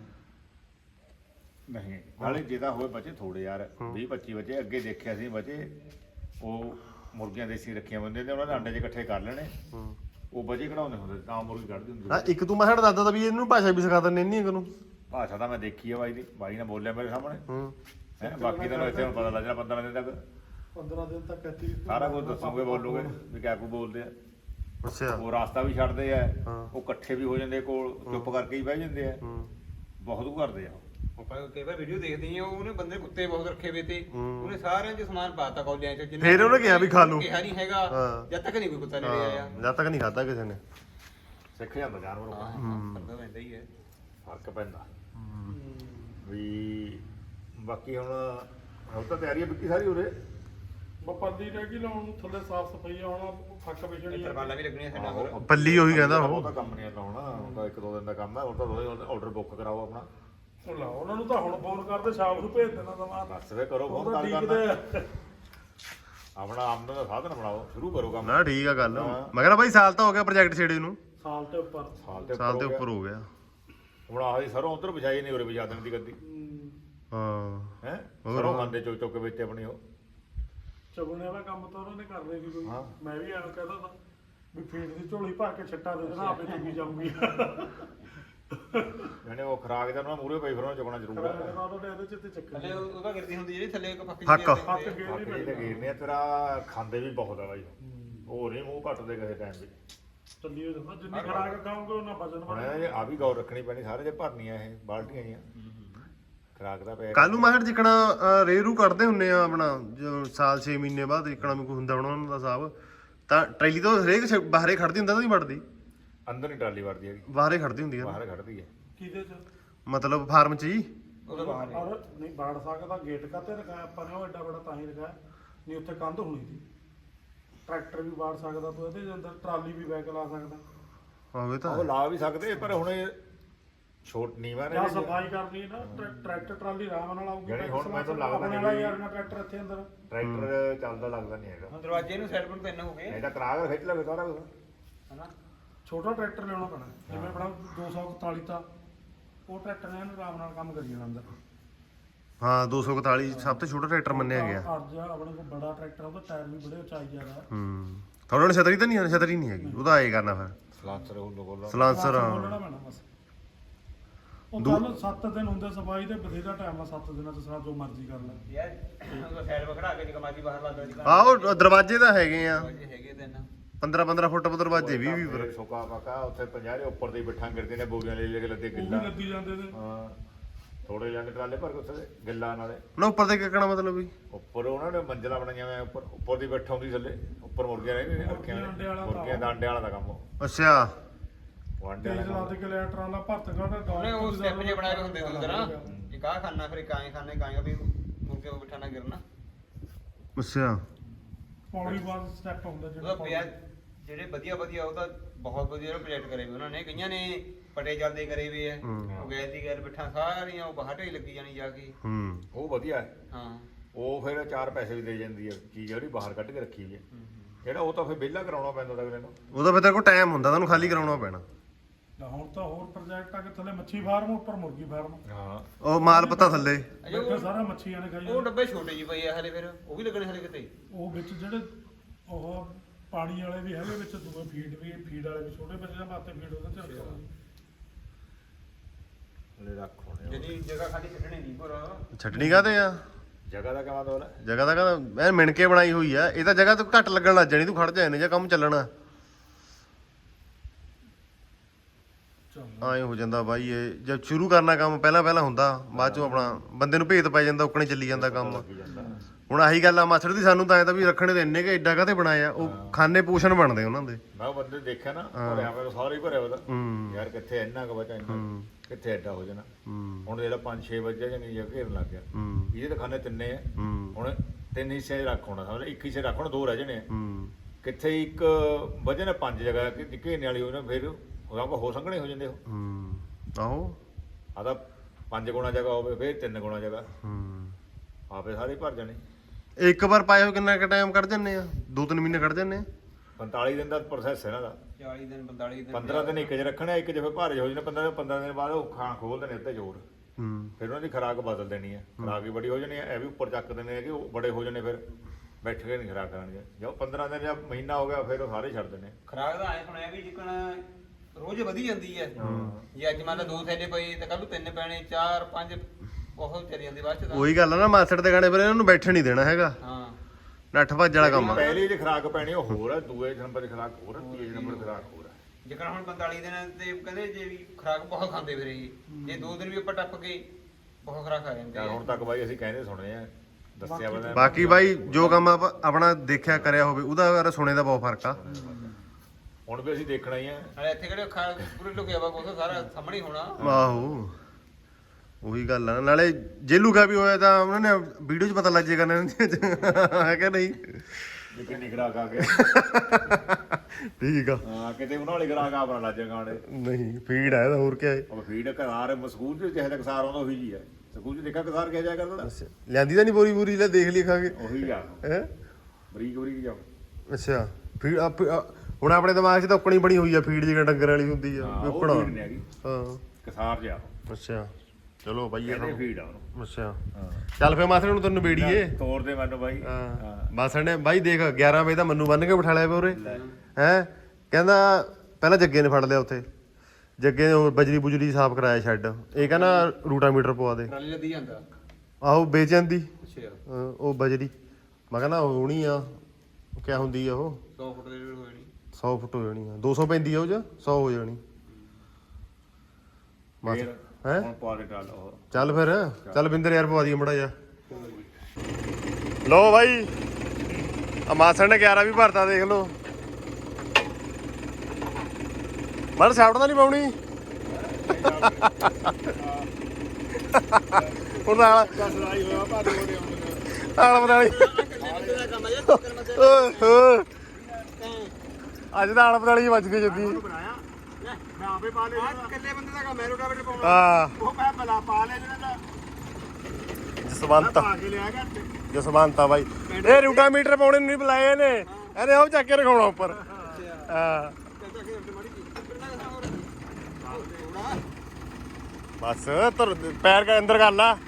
ਨਹੀਂ ਨਾਲੇ ਜਿਹਦਾ ਹੋਏ ਬਚੇ ਥੋੜੇ ਯਾਰ 20 25 ਬਚੇ ਅੱਗੇ ਦੇਖਿਆ ਸੀ ਬਚੇ ਉਹ ਮੁਰਗੀਆਂ ਦੇਸੀ ਰੱਖੀਆਂ ਬੰਦੇ ਨੇ ਉਹਨਾਂ ਦੇ ਆਂਡੇ 'ਚ ਇਕੱਠੇ ਕਰ ਲੈਣੇ ਉਹ ਬਚੇ ਕਢਾਉਂਦੇ ਹੁੰਦੇ ਤਾਂ ਮੁਰਗੀ ਕੱਢਦੀ ਹੁੰਦੀ ਹਾਂ ਇੱਕ ਤੂੰ ਮੈਂ ਸਾਡਾ ਦਾਦਾ ਦਾ ਵੀ ਇਹਨੂੰ ਭਾਸ਼ਾ ਵੀ ਸਿਖਾ ਦਿੰਦੇ ਨਹੀਂ ਇਹਨੂੰ। ਭਾਸ਼ਾ ਤਾਂ ਮੈਂ ਦੇਖੀ ਆ ਬਾਈ ਦੀ, ਬਾਈ ਨੇ ਬੋਲਿਆ ਮੇਰੇ ਸਾਹਮਣੇ ਹੂੰ ਹੈ। ਬਾਕੀ ਤੈਨੂੰ ਇੱਥੇ ਹੁਣ ਪਤਾ ਲੱਗ ਜਾਣਾ 15 ਦਿਨ ਤੱਕ 15 ਦਿਨ ਤੱਕ ਇੱਥੇ ਸਾਰਾ ਕੁਝ ਦੱਸੋਗੇ ਬੋਲੋਗੇ ਵੀ ਕਿਆ ਕੁ ਬੋਲਦੇ ਆ। ਅੱਛਾ ਉਹ ਰਾਸਤਾ ਵੀ ਛੱਡਦੇ ਆ, ਹਾਂ। ਉਹ ਇਕੱਠੇ ਵੀ ਹੋ ਜਾਂਦੇ ਕੋਲ, ਚੁੱਪ ਕਰਕੇ ਹੀ ਬਹਿ ਜਾਂਦੇ ਆ, ਹੂੰ ਬਹੁਤ ਕੁ ਕਰਦੇ ਆ। ਆਪਾਂ ਕਈ ਵਾਰ ਵੀਡੀਓ ਦੇਖਦੇ ਆ ਉਹਨੇ ਬੰਦੇ ਕੁੱਤੇ ਬਹੁਤ ਰੱਖੇ ਵੇ ਤੇ ਹੂੰ। ਉਹਨੇ ਸਾਰਿਆਂ 'ਚ ਸਮਾਨ ਪਾਤਾ ਕੌਲਿਆਂ 'ਚ ਜਿੰਨਾ ਫਿਰ ਉਹਨੇ ਕਿਹਾ ਵੀ ਖਾ ਲਓ। ਕਿਹਾ ਨਹੀਂ ਹੈਗਾ ਹਾਂ। ਜਦ ਤੱਕ ਨਹੀਂ ਕੋਈ ਕੁੱਤਾ ਨੇੜੇ ਆਇਆ। ਜਦ ਤੱਕ ਨਹੀਂ ਖਾਦਾ ਕਿਸੇ ਨੇ। ਸਿੱਖ ਜਾਂਦਾ ਜਾਨਵਰ ਹਾਂ ਕਰਦਾ ਪੈਂਦਾ ਹੀ ਹੈ। ਫਰਕ ਪੈਂਦਾ ਵੀ। ਬਾਕੀ ਹੁਣ ਤਾਂ ਤਿਆਰੀ ਹੈ ਬਿੱਕੀ ਸਾਰੀ ਉਰੇ। ਬੱਪਰਦੀ ਰਹਿ ਗਈ ਲਾਉਣ ਨੂੰ, ਥੱਲੇ ਸਾਫ ਸਫਾਈ ਆ, ਹੁਣ ਫੱਕ ਵਿਛਣੀ ਆ। ਤਰਪਾਲਾਂ ਵੀ ਲੱਗਣੀਆਂ ਸਾਡਾ ਹੋਰ। ਪੱਲੀ ਉਹੀ ਕਹਿੰਦਾ ਉਹ। ਬਹੁਤਾ ਕੰਮ ਨਹੀਂ ਲਾਉਣਾ, ਹੁਣ ਤਾਂ 1-2 ਦਿਨ ਦਾ ਕੰਮ ਹੈ। ਹੁਣ ਤਾਂ ਆਰਡਰ ਬੁੱਕ ਕਰਾਓ ਆਪਣਾ। ਉਹ ਲਾ ਉਹਨਾਂ ਨੂੰ ਤਾਂ ਹੁਣ ਫੋਨ ਕਰਦੇ ਸ਼ਾਮ ਨੂੰ ਭੇਜ ਦੇਣਾ ਸਮਾਨ। ਬਸ ਵੇ ਕਰੋ ਉਹ ਬਹੁਤ ਤਾਂ ਗੱਲ ਠੀਕ ਕਰਨਾ। ਦੇ ਆਪਣਾ ਆਮਦਨ ਦਾ ਸਾਧਨ ਬਣਾਓ, ਸ਼ੁਰੂ ਕਰੋ ਕੰਮ। ਨਾ ਠੀਕ ਆ ਗੱਲ। ਮੈਂ ਕਹਿੰਦਾ ਬਾਈ ਸਾਲ ਤਾਂ ਹੋ ਗਿਆ ਪ੍ਰੋਜੈਕਟ ਛੇੜੇ ਨੂੰ। ਸਾਲ ਤੇ ਉੱਪਰ। ਸਾਲ ਦੇ ਉੱਪਰ ਹੋ ਗਿਆ। ਹੁਣ ਆਹੀ ਸਰੋਂ ਉਧਰ ਵਿਛਾਈ ਨਹੀਂ ਉਰੇ ਵਿਛਾ ਦੇਣ ਦੀ ਗੱਦੀ ਹਾਂ ਹੈ। ਸਰੋਂ ਖਾਂਦੇ ਚੁੱਕ ਚੁੱਕ ਕੇ ਵਿੱਚ ਆਪਣੀ ਉਹ ਚੁਗਣੇ ਵਾਲਾ ਕੰਮ ਤਾਂ ਉਹਨਾਂ ਨੇ ਕਰ ਲਿਆ ਸੀ ਕੋਈ। ਹਾਂ। ਮੈਂ ਵੀ ਐਂ ਕਹਿੰਦਾ ਤਾਂ ਵੀ ਫੀਡ ਦੀ ਝੋਲੀ ਭਰ ਕੇ ਛੱਟਾ ਦੇ ਦੇਣਾ, ਆਪੇ ਚੁੱਕੀ ਜਾਊਗੀ। ਯਾਨੀ ਉਹ ਖਰਾਕ ਦਾ ਉਹਨਾਂ ਮੂਰੇ ਪਈ ਫਿਰ ਉਹਨੂੰ ਚੁੱਕਣਾ ਜ਼ਰੂਰ ਹੈ। ਉਹਦੇ ਇਹਦੇ ਚ ਤੇ ਚੱਕਰ ਥੱਲੇ ਉਹਦਾ ਗਿਰਦੀ ਹੁੰਦੀ ਜਿਹੜੀ ਥੱਲੇ ਇੱਕ ਪੱਕੀ ਹੱਕ। ਹੱਕ ਗਏ ਬਾਕੀ ਨਹੀਂ ਤੇ ਗੀਰਨੇ ਆ ਤੇਰਾ, ਖਾਂਦੇ ਵੀ ਬਹੁਤ ਆ ਬਾਈ। ਉਹ ਨਹੀਂ ਮੂੰਹ ਘੱਟਦੇ ਕਿਸੇ ਟਾਈਮ ਵੀ। ਚੱਲੀ ਹੋ ਜਾਂਦਾ, ਜਿੰਨੀ ਖਰਾਕ ਖਾਓਗੇ ਉਹਨਾਂ ਵਜਨ ਹੁਣ ਵਧਣਾ। ਇਹ ਆ ਵੀ ਗੌਰ ਰੱਖਣੀ ਪੈਣੀ ਸਾਰੇ ਜੇ ਭਰਨੀਆਂ ਇਹ ਬਾਲਟੀਆਂ ਜੀਆਂ ਖਰਾਕ ਦਾ ਪਿਆ। ਕੱਲ ਨੂੰ ਮੈਂ ਹਰ ਜਿਕਣਾ ਰੇਰੂ ਕੱਢਦੇ ਹੁੰਨੇ ਆ ਆਪਣਾ, ਜੋ ਸਾਲ 6 ਮਹੀਨੇ ਬਾਅਦ ਜਿਕਣਾ ਵੀ ਕੋਈ ਹੁੰਦਾ ਹੋਣਾ ਉਹਨਾਂ ਦਾ ਹਿਸਾਬ, ਤਾਂ ਟਰੈਲੀ ਤੋਂ ਹਰੇਕ ਬਾਹਰੇ ਖੜਦੀ ਹੁੰਦਾ ਤਾਂ ਨਹੀਂ ਵੜਦੀ। ਅੰਦਰ ਨਹੀਂ ਟਰਾਲੀ ਵੜਦੀ ਹੈਗੀ, ਬਾਹਰੇ ਖੜਦੀ ਹੁੰਦੀ ਆ ਬਾਹਰ ਖੜਦੀ ਹੈ। ਕਿਹਦੇ ਚ ਮਤਲਬ ਫਾਰਮ 'ਚ ਹੀ। ਉਹਦਾ ਬਾਹਰ ਔਰ ਨਹੀਂ ਬਾੜ ਸਕਦਾ, ਗੇਟ ਕਾਤੇ ਰਖਾਇਆ ਆਪਾਂ ਨੇ, ਉਹ ਐਡਾ ਬੜਾ ਤਾਂ ਹੀ ਰਖਾਇਆ ਨਹੀਂ, ਉੱਥੇ ਕੰਧ ਹੋਣੀ ਸੀ। ਟਰੈਕਟਰ ਵੀ ਬਾੜ ਸਕਦਾ ਤੂੰ ਇਹਦੇ ਅੰਦਰ, ਟਰਾਲੀ ਵੀ ਬੈਕ ਲਾ ਸਕਦਾ। ਹੋਵੇ ਤਾਂ ਉਹ ਲਾ ਵੀ ਸਕਦੇ ਪਰ ਹੁਣ ਇਹ ਛੋਟ ਨੀਵਾਂ ਨੇ ਜਾਂ ਸਫਾਈ ਕਰਨੀ ਹੈ ਨਾ, ਟਰੈਕਟਰ ਟਰਾਲੀ ਆਰਾਮ ਨਾਲ ਆਊਗੀ। ਯਾਨੀ ਹੁਣ ਮੈਨੂੰ ਲੱਗਦਾ ਆਪਣੇ ਨਹੀਂ ਵਾਲਾ ਵੀ- ਯਾਰ ਨਾ ਟਰੈਕਟਰ ਇੱਥੇ ਅੰਦਰ। ਟਰੈਕਟਰ ਚੱਲਦਾ ਲੱਗਦਾ ਨਹੀਂ ਹੈਗਾ। ਹੁਣ ਦਰਵਾਜ਼ੇ ਨੂੰ ਸਾਈਡ ਪਰ ਤਿੰਨ ਹੋ ਗਏ ਨਹੀਂ ਤਾਂ ਕਰਾ ਕੇ ਖਿੱਚ ਲਵੇ ਸਾਰਾ ਕੁਝ। ਹਨਾ। ਛੋਟਾ ਟਰੈਕਟਰ ਲਿਆਉਣਾ ਪੈਣਾ, ਜਿਵੇਂ ਆਪਣਾ 241 ਤਾਂ ਉਹ ਟਰੈਕਟਰ ਨੇ ਇਹਨੂੰ ਆਰਾਮ ਨਾਲ ਕੰਮ ਕਰੀ ਜਾਣਾ ਅੰਦਰ। ਹਾਂ 241 ਸਭ ਤੋਂ ਛੋਟਾ ਟਰੈਕਟਰ ਮੰਨਿਆ ਗਿਆ। ਅੱਜ ਆਪਣੇ ਕੋਲ ਬੜਾ ਟਰੈਕਟਰ, ਉਹਦਾ ਟਾਇਰ ਵੀ ਬੜੇ ਉਚਾਈ ਜ਼ਿਆਦਾ ਹੈ। ਥੋੜਾ ਨੇ ਛਤਰੀ ਤਾਂ ਨਹੀਂ ਛਤਰੀ ਨਹੀਂ ਹੈਗੀ, ਉਹਦਾ ਆਏ ਕਰਨਾ ਫਿਰ ਸਲਾਂਸਰ ਉਹ ਕੋਲ ਸਲਾਂਸਰ। ਬੋਲਣਾ ਪੈਣਾ ਬਸ। ਉਹ ਕੱਲ 7 ਦਿਨ ਹੁੰਦੇ ਸਫਾਈ ਦੇ, ਬਥੇਰਾ ਟਾਈਮ ਆ 7 ਦਿਨਾਂ ਚ ਸਾਰਾ ਜੋ ਮਰਜ਼ੀ ਕਰ ਲੈ। ਯਾਰ ਉਹਦਾ ਸਾਈਡ ਪਰ ਖੜਾ ਕੇ ਨਿਕਮਾਜੀ ਬਾਹਰ ਲਾ ਦੋ। ਆਹੋ ਦਰਵਾਜ਼ੇ ਤਾਂ ਹੈਗੇ ਆ, ਦਰਵਾਜ਼ੇ ਹੈਗੇ ਤਿੰਨ। 15 ਫੁੱਟ ਦਰਵਾਜ਼ੇ ਵੀ ਸੁੱਕਾ ਪੱਕਾ ਉੱਥੇ 50 ਦੇ ਉੱਪਰ ਦੇ ਬਿਠਾਂ ਗਿਰਦੇ ਨੇ, ਬੋਰੀਆਂ ਲੈ ਲੈ ਕੇ ਲੱਦੇ ਉਹ ਵੀ ਗਿੱਲਾ। ਲੱਗੀ ਜਾਂਦੇ ਤੇ। ਹਾਂ ਥੋੜੇ ਜਾਂਦੇ ਟਰਾਲੇ ਭਰ ਕੇ ਉੱਥੇ ਦੇ ਗਿੱਲਾ ਨਾਲੇ ਨਾ ਉੱਪਰ ਤੇ ਕਿੱਕਣਾ ਮਤਲਬ ਵੀ ਉੱਪਰ ਉਹਨਾਂ ਨੇ ਮੰਜ਼ਲਾ ਬਣਾਈਆਂ ਮੈਂ ਉੱਪਰ ਦੀ ਬੈਠਾ ਹੁੰਦੀ ਥੱਲੇ ਉੱਪਰ ਮੁਰਗੀਆਂ ਰਹਿੰਦੀਆਂ ਨੇ ਰੱਖੀਆਂ ਅੰਡੇ ਵਾਲਾ ਮੁਰਗੀਆਂ ਦਾ ਅੰਡੇ ਵਾਲਾ ਦਾ ਕੰਮ ਉਹ ਅੱਛਾ। ਅੰਡੇ ਤੇਜ਼ ਵਾਲਾ ਲਾ ਦੇ ਕੇ ਲੈ ਟਰਾਲਾ ਭਰਤ ਕਰਦਾ। ਉਹਨੇ ਉਹ ਸਟੈਪ ਜੇ ਬਣਾਏ ਹੁੰਦੇ ਦੋ ਤਰ੍ਹਾਂ, ਇੱਕ ਆਹ ਖਾਨਾ ਫਿਰ ਇੱਕ ਆਏ ਖਾਨੇ ਕਾਏਗਾ ਵੀ ਮੁਰਗੇ ਕੋ ਬਿਠਾਣਾ ਗਿਰਨਾ। ਅੱਛਾ ਪੌੜੀ ਬਾਅਦ ਸਟੈਪ ਹੁੰਦਾ ਉਹਦਾ ਪਿਆ ਜਿਹੜੇ ਵਧੀਆ ਵਧੀਆ ਉਹ ਤਾਂ ਬਹੁਤ ਵਧੀਆ ਪ੍ਰੋਜੈਕਟ ਕਰੇ ਵੀ ਉਹਨਾਂ ਨੇ, ਕਈਆਂ ਨੇ ਪਟੇ ਚੱਲਦੇ ਕਰੇ ਵੀ ਐ। ਉਹ ਗੈਸ ਦੀ ਗੈਰ ਬਿਠਾ ਸਾਰੀਆਂ ਉਹ ਬਾਹਰ ਢੇਈ ਲੱਗੀ ਜਾਣੀ ਜਾ ਕੇ। ਉਹ ਵਧੀਆ ਹੈ। ਹਾਂ ਉਹ ਫਿਰ 4 ਪੈਸੇ ਵੀ ਦੇ ਜਾਂਦੀ ਹੈ ਚੀਜ਼ ਜਿਹੜੀ ਬਾਹਰ ਕੱਢ ਕੇ ਰੱਖੀ ਹੋਈ ਹੈ। ਜਿਹੜਾ ਉਹ ਤਾਂ ਫਿਰ ਵਿਹਲਾ ਕਰਾਉਣਾ ਪੈਂਦਾ ਅਗਲੇ ਨੂੰ। ਉਹਦਾ ਫਿਰ ਤੇਰੇ ਕੋਲ ਟਾਈਮ ਹੁੰਦਾ, ਤੁਹਾਨੂੰ ਖਾਲੀ ਕਰਾਉਣਾ ਪੈਣਾ। ਹੁਣ ਤਾਂ ਹੋਰ ਪ੍ਰੋਜੈਕਟ ਆ ਕਿ ਥੱਲੇ ਮੱਛੀ ਫਾਰਮ, ਉੱਪਰ ਮੁਰਗੀ ਫਾਰਮ। ਹਾਂ ਉਹ ਮਾਲ ਪੱਤਾ ਥੱਲੇ। ਅਜੇ ਇੱਥੇ ਉਹ ਸਾਰਾ ਮੱਛੀਆਂ ਨੇ ਖਾਈ ਉਹ ਡੱਬੇ ਛੋਟੇ ਜੀ ਪਏ ਆ ਹਲੇ, ਫਿਰ ਉਹ ਵੀ ਲੱਗਣੇ ਹਲੇ ਕਿਤੇ। ਉਹ ਵਿੱਚ ਜਿਹੜੇ ਉਹ ਪਾਣੀ ਵਾਲੇ ਵੀ ਹੈਗੇ ਵਿੱਚ, ਦੂਏ ਫੀਡ ਵਾਲੇ ਵੀ, ਛੋਟੇ ਬੱਚਿਆਂ ਵਾਸਤੇ ਫੀਡ ਉਹਦੇ ਚ ਰੱਖਿਆ। ਲੈ ਰੱਖ ਹੋਣੇ ਜਿਹੜੀ ਜਗ੍ਹਾ ਖਾਲੀ ਛੱਡਣੀ ਨਹੀਂ ਪਰ ਛੱਡਣੀ ਕਾਹਤੇ ਆ? ਜਗ੍ਹਾ ਦਾ ਕਿਵੇਂ ਦੋਲ ਜਗ੍ਹਾ ਦਾ ਕਹਿੰਦਾ ਐ ਮਿਣ ਕੇ ਬਣਾਈ ਹੋਈ ਆ, ਇਹ ਤਾਂ ਜਗ੍ਹਾ ਤੋਂ ਘੱਟ ਲੱਗਣ ਲੱਗ ਜਾਣੀ, ਤੂੰ ਖੜ ਜਾ ਇਹਨੇ ਜਾਂ ਕੰਮ ਚੱਲਣਾ। ਐਂ ਹੋ ਜਾਂਦਾ ਬਾਈ, ਇਹ ਜਦ ਸ਼ੁਰੂ ਕਰਨਾ ਕੰਮ ਪਹਿਲਾਂ ਹੁੰਦਾ, ਬਾਅਦ ਚੋਂ ਆਪਣਾ ਬੰਦੇ ਨੂੰ ਭੇਤ ਪੈ ਜਾਂਦਾ, ਉੱਕਣੇ ਚੱਲੀ ਜਾਂਦਾ ਕੰਮ। ਹੁਣ ਆਹੀ ਗੱਲ ਆ ਮਾਸੜ ਦੀ, ਸਾਨੂੰ ਤਾਂ ਐ ਤਾਂ ਵੀ ਰੱਖਣੇ ਤੇ ਇੰਨੇ ਕਿ ਐਡਾ ਕਾਤੇ ਬਣਾਇਆ, ਉਹ ਖਾਣੇ ਪੋਸ਼ਣ ਬਣਦੇ ਉਹਨਾਂ ਦੇ। ਮੈਂ ਬੰਦੇ ਦੇਖਿਆ ਨਾ ਭਰਿਆ ਮੈਂ ਸਾਰੇ ਭਰਿਆ ਉਹਦਾ ਹੂੰ ਯਾਰ ਕਿੱਥੇ ਇੰਨਾ ਕੁ ਬਚਾ ਇੰਨਾ ਕਿੱਥੇ ਐਡਾ ਹੋ ਜਾਣਾ। ਹੂੰ ਹੁਣ ਜਿਹੜਾ 5-6 ਵਜੇ ਜਾਂ ਨਹੀਂ ਘੇਰਨ ਲੱਗ ਗਿਆ। ਹੂੰ ਇਹਦੇ ਤਾਂ ਖਾਣੇ ਤਿੰਨੇ ਆ, ਹੂੰ ਹੁਣ 3 ਹਿੱਸੇ ਰੱਖ ਹੋਣਾ ਸਮਝ, ਇੱਕ ਹਿੱਸੇ ਰੱਖ ਹੋਣਾ 2 ਰਹਿ ਜਾਣੇ ਆ। ਹੂੰ ਕਿੱਥੇ ਇੱਕ ਵਜੇ ਨੇ 5 ਜਗ੍ਹਾ ਕਿ ਘੇਰਨੇ ਵਾਲੀ ਹੋ ਜਾਣਾ, ਫਿਰ ਹੋ ਸੰਘਣੇ ਹੋ ਜਾਂਦੇ ਉਹ। ਹੂੰ ਆਹੋ ਆ ਤਾਂ 5 ਗੁਣਾ ਜਗ੍ਹਾ ਹੋਵੇ ਫਿਰ 3 ਗੁਣਾ ਜਗ੍ਹਾ, ਹੂੰ ਆਪੇ ਸਾਰੇ ਭਰ ਜਾਣੇ। ਇੱਕ ਵਾਰ ਪਾਏ ਹੋ ਕਿੰਨਾ ਕੁ ਟਾਈਮ ਕੱਢ ਜੰਨੇ ਆ? 2-3 ਮਹੀਨੇ ਕੱਢ ਜੰਨੇ ਆ। 45 ਦਿਨ ਦਾ ਪ੍ਰੋਸੈਸ ਹੈ ਇਹਨਾਂ ਦਾ। 40 ਦਿਨ 45 ਦਿਨ 15 ਦਿਨ ਇੱਕ 'ਚ ਰੱਖਣਾ, ਇੱਕ 'ਚ ਫਿਰ ਭਾਰੇ ਹੋ ਜਾਣੇ। 15 ਦਿਨ ਬਾਅਦ ਉਹ ਖਾਣ ਖੋਲਦੇ ਨੇ ਉੱਤੇ ਜ਼ੋਰ, ਹੂੰ ਫਿਰ ਉਹਨਾਂ ਦੀ ਖੁਰਾਕ ਬਦਲ ਦੇਣੀ ਹੈ। ਖੁਰਾਕ ਵੀ ਬੜੀ ਹੋ ਜਾਣੀ ਹੈ, ਇਹ ਵੀ ਉੱਪਰ ਚੱਕ ਦੇਣੇ ਹੈ ਕਿ ਉਹ ਬੜੇ ਹੋ ਜਾਣੇ, ਫਿਰ ਬੈਠ ਕੇ ਨਹੀਂ ਖੁਰਾਕ ਕਰਨਗੇ। ਜਦੋਂ 15 ਦਿਨ ਜਾਂ ਮਹੀਨਾ ਹੋ ਗਿਆ ਫਿਰ ਉਹ ਸਾਰੇ ਛੱਡ ਦੇਣੇ। ਖਰਾਕ ਦਾ ਐ ਸੁਣਿਆ ਵੀ ਜਿੱਕਣ ਰੋਜ਼ ਵਧੀ ਜਾਂਦੀ ਹੈ। ਜੇ ਅੱਜ ਮੰਨ ਲਾ 2 ਥੈਲੇ ਪਈ ਤੇ ਕੱਲ ਨੂੰ 3 ਪੈਣੇ, 4 5 ਬਹੁਤ ਚਲੀ ਜਾਂਦੀ ਬਾਅਦ ਚ ਤਾਂ। ਉਹੀ ਗੱਲ ਆ ਨਾ, ਮਾਸੜ ਦੇ ਗਾਣੇ ਪਰ ਇਹਨਾਂ ਨੂੰ ਬੈਠਣ ਨਹੀਂ ਦੇਣਾ ਹੈਗਾ, ਹਾਂ ਨੱਠ ਭੱਜ ਵਾਲਾ ਕੰਮ ਆ। ਪਹਿਲੀ ਜੇ ਖੁਰਾਕ ਪੈਣੀ ਉਹ ਹੋਰ ਹੈ, ਦੂਏ ਨੰਬਰ ਦੀ ਖੁਰਾਕ ਹੋਰ ਹੈ, ਤੀਜੇ ਨੰਬਰ ਦੀ ਖੁਰਾਕ ਹੋਰ ਹੈ। ਜਿੱਕਣ ਹੁਣ 45 ਦਿਨ ਤੇ ਕਹਿੰਦੇ ਜੇ ਵੀ ਖਰਾਕ ਬਹੁਤ ਖਾਂਦੇ ਫਿਰ ਇਹ, ਜੇ 2 ਦਿਨ ਵੀ ਉੱਪਰ ਟੱਪ ਗਏ ਬਹੁਤ ਖਰਾਕ ਖਾ ਜਾਂਦੇ ਯਾਰ ਆ। ਹੁਣ ਤੱਕ ਬਾਈ ਅਸੀਂ ਕਹਿੰਦੇ ਸੁਣੇ ਆ, ਦੱਸਿਆ ਬੰਦਾ। ਬਾਕੀ ਬਾਈ ਜੋ ਕੰਮ ਆਪਣਾ ਦੇਖਿਆ ਕਰਿਆ ਹੋਵੇ ਉਹਦਾ ਯਾਰ ਸੁਣੇ ਦਾ ਬਹੁਤ ਫਰਕ ਆ। ਹੁਣ ਵੀ ਅਸੀਂ ਦੇਖਣਾ ਹੀ ਹੈ। ਨਾਲੇ ਇੱਥੇ ਕਿਹੜੇ ਖਾ ਪੂਰੇ ਲੁਕਿਆ ਵਾ ਕੁਛ ਸਾਰਾ ਸਾਹਮਣੇ ਹੀ ਹੋਣਾ। ਆਹੋ ਉਹੀ ਗੱਲ ਆ, ਨਾਲੇ ਜੇਲੂਗਾ ਵੀ ਹੋਇਆ ਤਾਂ ਉਹਨਾਂ ਨੇ ਵੀਡੀਓ 'ਚ ਪਤਾ ਲੱਗ ਜਾਏਗਾ ਨਾ ਹੈ ਕਿ ਨਹੀਂ। ਵੀ ਕਿੰਨੀ ਖੁਰਾਕ ਆ ਗਿਆ। ਠੀਕ ਆ, ਹਾਂ ਕਿਤੇ ਉਹਨਾਂ ਵਾਲੀ ਖੁਰਾਕ ਆਪਣਾ ਲੱਜ ਗਾਣੇ। ਨਹੀਂ ਫੀਡ ਆ ਇਹਦਾ, ਹੋਰ ਕੀ ਹੈ। ਉਹ ਫੀਡ ਕਸਾਰ ਸਕੂਲ ਚ ਜਿਹੇ ਦਾ ਕਸਾਰ ਆਉਂਦਾ ਉਹੀ ਜੀ ਹੈ। ਸਕੂਲ ਚ ਦੇਖਾ ਕਸਾਰ ਕਿਹਾ ਜਾਇਆ ਕਰਦਾ। ਲਿਆਂਦੀ ਤਾਂ ਨਹੀਂ ਬੋਰੀ ਬੂਰੀ, ਲੈ ਦੇਖ ਲਈ ਖਾ ਕੇ। ਉਹੀ ਆ ਹੈ ਬਰੀਕ ਬਰੀਕ ਜਾ। ਅੱਛਾ ਫੀਡ ਹੁਣ ਆਪਣੇ ਦਿਮਾਗ 'ਚ ਤਾਂ ਉੱਕਣੀ ਬਣੀ ਹੋਈ ਆ, ਫੀਡ ਜਿਹੜਾ ਡੰਗਰ ਵਾਲੀ ਹੁੰਦੀ ਆ ਉਹ ਉੱਕਣਾ। ਫੀਡ ਨਹੀਂ ਹੈਗੀ, ਹਾਂ ਕਸਾਰ ਜਿਹਾ। ਅੱਛਾ ਚਲੋ ਬਾਈ ਇਹ ਇਹਦੇ ਫੀਡ ਆ ਉਹਨੂੰ। ਅੱਛਾ ਹਾਂ ਚੱਲ ਫੇ ਮਾਸੜ ਨੂੰ ਤੈਨੂੰ ਬੇੜੀਏ ਤੋੜ ਦੇ ਮੈਨੂੰ ਬਾਈ। ਹਾਂ ਮਾਸੜ ਨੇ ਬਾਈ ਦੇਖ 11 ਵਜੇ ਤਾਂ ਮੈਨੂੰ ਬੰਨ ਕੇ ਬਿਠਾ ਲਿਆ ਵੇ ਉਰੇ ਹੈ। ਕਹਿੰਦਾ ਪਹਿਲਾਂ ਜੱਗੇ ਨੇ ਫੜ ਲਿਆ ਉੱਥੇ, ਜੱਗੇ ਨੇ ਬਜਰੀ ਬੁਜਰੀ ਸਾਫ਼ ਕਰਾਇਆ ਸ਼ੈੱਡ, ਇਹ ਕਹਿੰਦਾ ਰੂਟਾਮੀਟਰ ਪਵਾ ਦੇ। ਟਰਾਲੀ ਲੱਦੀ ਜਾਂਦਾ। ਆਹੋ ਵੇਚਣ ਦੀ ਅੱਛਾ ਉਹ ਬਜਰੀ, ਮੈਂ ਕਹਿੰਦਾ ਹੋਣੀ ਆ ਕਿਆ ਹੁੰਦੀ ਆ ਉਹ 100 ਫੁੱਟ ਦੇ ਰੇਡ ਹੋਏ ਨਹੀਂ। 100 ਫੁੱਟ ਹੋ ਜਾਣੀ ਆ, 200 ਪੈਂਦੀ ਆ ਉਹ ਜਾਂ 100 ਹੋ ਜਾਣੀ ਬਸ ਫਿਰ ਹੈ। ਹੁਣ ਪਾ ਦੇ ਟਾਲ ਉਹ। ਚੱਲ ਫਿਰ ਚੱਲ ਬਿੰਦਰ ਯਾਰ ਪਵਾ ਦਈਏ ਮੜਾ ਜਾ। ਲੋ ਬਾਈ ਆ ਮਾਸੜ ਨੇ 11 ਵੀ ਭਰਤਾ, ਦੇਖ ਲੋ। ਮਰ ਸਾਫਟ ਤਾਂ ਨਹੀਂ ਪਾਉਣੀ ਹੁਣ ਨਾਲ ਕਸਰਾਈ ਹੋਇਆ ਭਾਦੇ ਹੋਦੇ ਆਲ ਬਦਾਲੀ ਅੱਜ ਤਾਂ ਆਲ ਬਦਾਲੀ ਵੱਜ ਗਈ ਜੱਦੀ। ਬਣਾਇਆ ਮੈਂ ਆਪੇ ਪਾ ਲਿਆ। ਇਕੱਲੇ ਬੰਦੇ ਦਾ ਕੰਮ ਹੈ ਰੋਟਾਵੇਟਰ ਪਾਉਣਾ। ਹਾਂ ਉਹ ਮੈਂ ਬਲਾ ਪਾ ਲਿਆ ਜਿਹਨਾਂ ਦਾ ਜਸਵੰਤ ਪਾ ਕੇ ਲਿਆ ਗਿਆ। ਜਸਵੰਤ ਆ ਬਾਈ, ਇਹ ਰੂਟਾਮੀਟਰ ਪਾਉਣੇ ਨੂੰ ਨਹੀਂ ਬੁਲਾਏ ਇਹਨੇ, ਇਹਨੇ ਉਹ ਚੱਕ ਕੇ ਰਖਾਉਣਾ ਉੱਪਰ। ਹਾਂ ਬਸ ਪੈਰ ਕੇ ਅੰਦਰ ਕਰ ਲਾ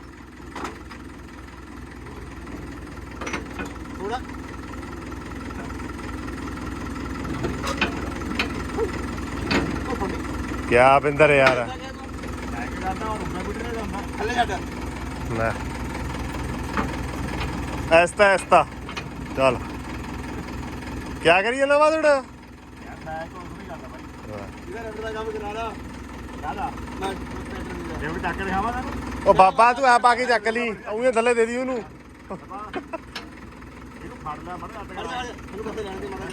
ਥੋੜਾ ਕਿਆ ਬਿੰਦਰ ਯਾਰ ਲੈ ਕੇ ਜਾਂਦਾ ਹੁਣ ਮੈਂ ਬਿੱਟੇ ਜਾਂਦਾ। ਥੱਲੇ ਛੱਡ। ਲੈ ਐਸਤਾ ਐਸਤਾ ਚੱਲ ਕਿਆ ਕਰੀਏ ਨਾ ਵਾਦੜ। ਯਾਰ ਮੈਂ ਕੋਈ ਨਹੀਂ ਕਰਦਾ ਬਾਈ। ਇਹਦਾ ਰੈਂਟ ਦਾ ਕੰਮ ਕਰਾ ਲਾ। ਕਾਹਦਾ ਮੈਂ ਟਰੈਕਟਰ ਨਹੀਂ ਜੇ ਵੀ ਟੱਕ ਦਿਖਾਵਾਂ ਤੈਨੂੰ। ਉਹ ਬਾਬਾ ਤੂੰ ਆ ਪਾ ਕੇ ਚੱਕ ਲਈ, ਉਹਨੇ ਥੱਲੇ ਦੇ ਦੀ ਉਹਨੂੰ। ਇਹਨੂੰ ਫੜ ਲੈ ਮੜ ਅੱਟ ਦਾ। ਮੈਨੂੰ ਕਿੱਥੇ ਜਾਣ ਦੇ ਮਾੜਾ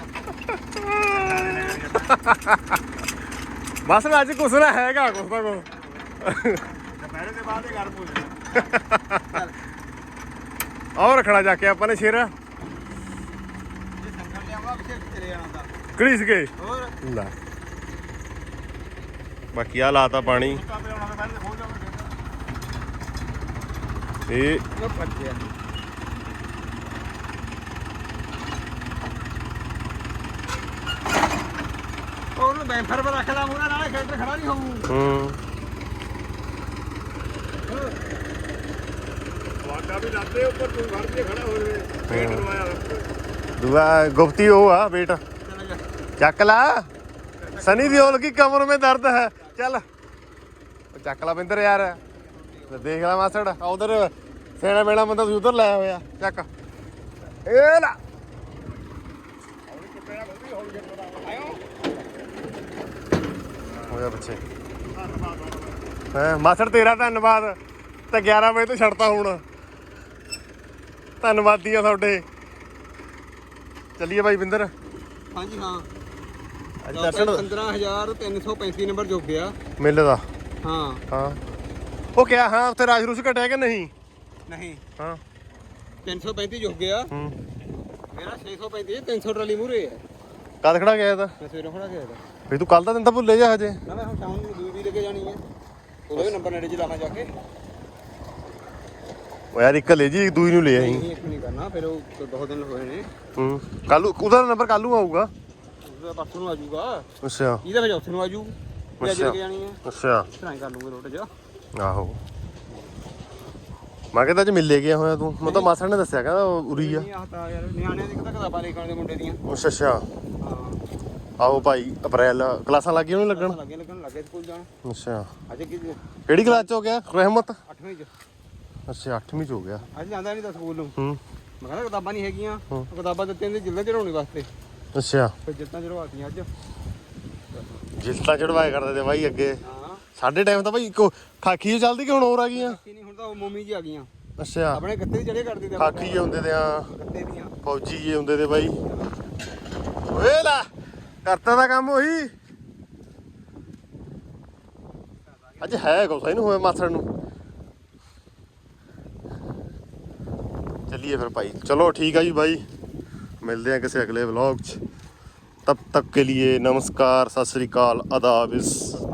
ਬਸ ਅੱਜ ਕੁਛ ਨਾ ਹੈਗਾ, ਕੁਛ ਨਾ ਕੁਛ ਦੁਪਹਿਰੇ ਦੇ ਬਾਅਦ ਹੀ ਗਰਮ ਹੋ ਜਾਣਾ। ਆਹ ਰੱਖਣਾ ਜਾ ਕੇ ਆਪਾਂ ਨੇ ਸ਼ੇਰ ਜੇ ਸੰਗਲ ਲਿਆਵਾ ਪਿੱਛੇ ਚਲੇ ਜਾਣਾ ਤਾਂ। ਘੜੀਸ ਕੇ ਹੋਰ ਲੈ। ਬਾਕੀ ਆ ਲਾਤਾ ਪਾਣੀ ਕਾਪੇ ਆਉਣਾ ਦੁਪਹਿਰੇ ਦੇ ਖੋਲ ਜਾਵਾਂਗੇ। ਇਹ ਉਹ ਪੱਜਿਆ। ਉਹਨੂੰ ਬੈਂਫਰ ਪਰ ਰੱਖ ਲਾ ਮੂਹਰੇ, ਨਾਲੇ ਖੇਡਰ ਖੜਾ ਨਹੀਂ ਹੋਊ। ਵਾਗਾ ਵੀ ਲੱਦੇ ਉੱਪਰ ਤੂੰ ਘਰ ਤੇ ਖੜਾ ਹੋ ਜਵੇ। ਪੇਟ ਲਵਾਇਆ ਦੂਆ ਗੁਪਤੀ ਉਹ ਆ ਬੇਟਾ, ਚਲਾ ਜਾ। ਚੱਕ ਲਾ। ਸਨੀ ਦਿਓਲ ਕੀ ਕਮਰ में दर्द है, ਚੱਲ ਚੱਕ ਲਾ ਬਿੰਦਰ ਯਾਰ। ਦੇਖ ਲੈ ਮਾਸੜ ਉਧਰ ਸੇਣਾ ਮੇਣਾ ਬੰਦਾ ਤੁਸੀਂ ਉਧਰ ਲਾਇਆ ਹੋਇਆ, ਚੱਕ ਇਹ ਲਾ। ਹੋਇਆ ਬੱਚੇ ਹੈ ਮਾਸੜ ਤੇਰਾ ਧੰਨਵਾਦ ਤੇ 11 ਵਜੇ ਤੋਂ ਛੱਡਤਾ ਹੁਣ। ਧੰਨਵਾਦੀ ਆ ਤੁਹਾਡੇ। ਚੱਲੀਏ ਬਾਈ ਬਿੰਦਰ। ਹਾਂਜੀ ਹਾਂ ਅੱਜ ਦਰਸ਼ਨ 15335 ਨੰਬਰ ਜੋਗਿਆ ਮੇਲੇ ਦਾ। ਹਾਂ ਹਾਂ ਉਹ ਕਿਹਾ ਹਾਂ ਉੱਥੇ ਰਾਜ ਰੂਸ ਘਟਿਆ ਕਿ ਨਹੀਂ? ਨਹੀਂ ਹਾਂ 335 ਜੋਗਿਆ ਹੂੰ ਮੇਰਾ 635 300 ਟਰਾਲੀ ਮੂਰੇ ਹੈ। ਕਦ ਖੜਾ ਗਿਆ ਤਾਂ ਮੈਂ ਸਵੇਰੇ ਖੜਾ ਗਿਆ ਵੀ ਤੂੰ ਕੱਲ ਦਾ ਦਿਨ ਤਾਂ ਭੁੱਲੇ ਜਾ ਹਜੇ। ਨਾ ਮੈਂ ਹੁਣ ਸ਼ਾਮ ਨੂੰ ਦੂਈ ਵੀ ਲੈ ਕੇ ਜਾਣੀ ਹੈ ਉਹਦਾ ਵੀ ਨੰਬਰ ਨੇੜੇ ਚ ਲਾਣਾ ਜਾ ਕੇ। ਉਹ ਯਾਰ ਇੱਕ ਲੈ ਜੀ ਦੂਈ ਨੂੰ ਲੈ ਆਈ। ਨਹੀਂ ਇੱਕ ਨਹੀਂ ਕਰਨਾ ਫਿਰ ਉਹ ਬਹੁਤ ਦਿਨ ਹੋਏ ਨੇ। ਹੂੰ ਕੱਲ ਉਹਦਾ ਨੰਬਰ ਕੱਲ ਨੂੰ ਆਊਗਾ। ਉਹਦਾ ਪਰਸੋਂ ਨੂੰ ਆ ਜਾਊਗਾ। ਅੱਛਾ ਇਹਦਾ ਫਿਰ ਚੌਥੇ ਨੂੰ ਆ ਜਾਊ। ਅੱਜ ਲੈ ਕੇ ਜਾਣੀ ਹੈ ਅੱਛਾ ਟਰਾਈ ਕਰ ਲੂੰਗੇ ਰੋਟ ਜਾ। ਆਹੋ ਮੈਂ ਕਹਿੰਦਾ ਅੱਜ ਮਿਲੇ ਗਿਆ ਹੋਇਆ ਤੂੰ। ਮੈਂ ਤਾਂ ਮਾਸੜ ਨੇ ਦੱਸਿਆ ਕਹਿੰਦਾ ਉਰੀ ਆ। ਨਹੀਂ ਆਹ ਤਾਂ ਯਾਰ ਨਿਆਣਿਆਂ ਦੀ ਕਿਤਾਬਾਂ ਲੈ ਕੇ ਆਉਣੇ ਮੁੰਡੇ ਦੀਆਂ। ਅੱਛਾ ਹਾਂ ਆਹੋ ਭਾਈ ਅਪ੍ਰੈਲ ਕਲਾਸਾਂ ਲੱਗ ਗਈਆਂ ਉਹਨੂੰ ਲੱਗਣ। ਲੱਗੇ ਸਕੂਲ ਜਾਣ। ਅੱਛਾ ਅੱਜ ਕਿਹੜੀ ਕਲਾਸ ਚ ਹੋ ਗਿਆ ਰਹਿਮਤ? 8ਵੀਂ ਚ। ਅੱਛਾ 8ਵੀਂ ਚ ਹੋ ਗਿਆ। ਅੱਜ ਜਾਂਦਾ ਨਹੀਂ ਤਾਂ ਸਕੂਲ ਨੂੰ। ਹੂੰ ਮੈਂ ਕਹਿੰਦਾ ਕਿਤਾਬਾਂ ਨਹੀਂ ਹੈਗੀਆਂ। ਕਿਤਾਬਾਂ ਦਿੱਤੀਆਂ ਨੇ ਜਿਲ੍ਹੇ ਚੜਾਉਣੇ ਵਾਸਤੇ। ਅੱਛਾ ਫਿਰ ਜਿੱਤਾਂ ਚੜਵਾਤੀਆਂ ਅੱਜ। ਜਿਲਤਾ ਚੜਵਾਏ ਕਰਦੇ ਤੇ ਬਾਈ ਅੱਗੇ ਹਾਂ ਸਾਡੇ ਟਾਈਮ ਤਾਂ ਬਾਈ ਇੱਕੋ ਖਾਕੀ ਚ ਚੱਲਦੀ ਕਿ ਹੁਣ ਹੋਰ ਆ ਗਈਆਂ? ਨਹੀਂ ਹੁਣ ਤਾਂ ਉਹ ਮੋਮੀ ਜੀ ਆ ਗਈਆਂ। ਅੱਛਾ ਆਪਣੇ ਗੱਤੇ ਵੀ ਚੜੇ ਕਰਦੇ ਤੇ ਖਾਕੀ ਜੇ ਹੁੰਦੇ ਤੇ ਆ ਗੱਤੇ ਦੀਆਂ। ਫੌਜੀ ਜੇ ਹੁੰਦੇ ਤੇ ਬਾਈ। ਓਏ ਲੈ ਕਰਤਾ ਦਾ ਕੰਮ ਉਹੀ। ਅੱਜ ਹੈ ਕੁਛ ਇਹਨੂੰ ਹੋਇਆ ਮਾਸੜ ਨੂੰ। ਚੱਲੀਏ ਫਿਰ ਭਾਈ। ਚਲੋ ਠੀਕ ਆ ਜੀ ਬਾਈ ਮਿਲਦੇ ਆ ਕਿਸੇ ਅਗਲੇ ਵਲੌਗ 'ਚ। तब तक के लिए नमस्कार, सत श्री अकाल, आदाब।